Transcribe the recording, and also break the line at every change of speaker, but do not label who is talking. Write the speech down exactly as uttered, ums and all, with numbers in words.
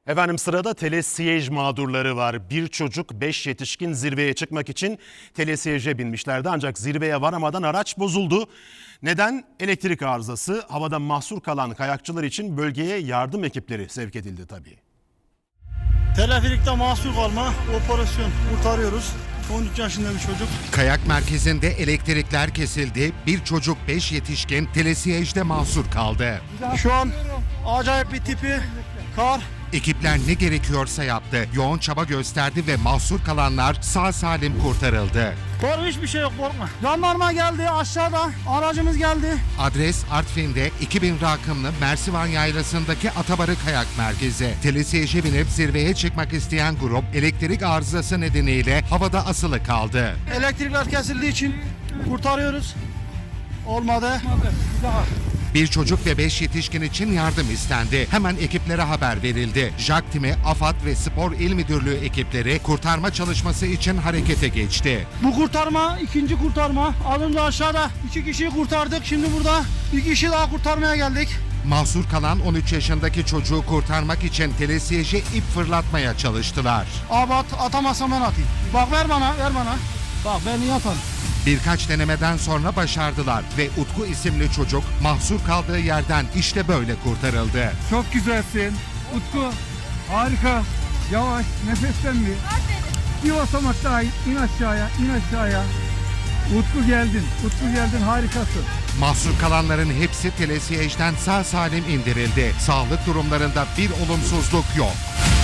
Efendim sırada telesiyej mağdurları var. Bir çocuk, beş yetişkin zirveye çıkmak için telesiyeje binmişlerdi. Ancak zirveye varamadan araç bozuldu. Neden? Elektrik arızası. Havada mahsur kalan kayakçılar için bölgeye yardım ekipleri sevk edildi tabii.
Teleferikte mahsur kalma, operasyon kurtarıyoruz. on üç yaşında bir çocuk.
Kayak merkezinde elektrikler kesildi. Bir çocuk, beş yetişkin telesiyejde mahsur kaldı.
Şu an acayip bir tipi kar.
Ekipler ne gerekiyorsa yaptı. Yoğun çaba gösterdi ve mahsur kalanlar sağ salim kurtarıldı.
Korkma, hiçbir şey yok, korkma. Jandarma geldi aşağıda, aracımız geldi.
Adres Artvin'de iki bin rakımlı Mersivan Yaylası'ndaki Atabarı Kayak Merkezi. Telesiyeje binip zirveye çıkmak isteyen grup elektrik arızası nedeniyle havada asılı kaldı.
Elektrikler kesildiği için kurtarıyoruz. Olmadı.
Bir çocuk ve beş yetişkin için yardım istendi. Hemen ekiplere haber verildi. JAK timi, AFAD ve Spor İl Müdürlüğü ekipleri kurtarma çalışması için harekete geçti.
Bu kurtarma ikinci kurtarma. Az önce aşağıda iki kişiyi kurtardık. Şimdi burada bir kişi daha kurtarmaya geldik.
Mahsur kalan on üç yaşındaki çocuğu kurtarmak için telesiyeje ip fırlatmaya çalıştılar.
Abi at, atamazsam ben atayım. Bak ver bana, ver bana. Bak ben iyi atarım.
Birkaç denemeden sonra başardılar ve Utku isimli çocuk mahsur kaldığı yerden işte böyle kurtarıldı.
Çok güzelsin. Utku harika. Yavaş nefesten bir. Bir basamak daha in, in aşağıya, in aşağıya. Utku geldin. Utku geldin, harikasın.
Mahsur kalanların hepsi telesiyejden sağ salim indirildi. Sağlık durumlarında bir olumsuzluk yok.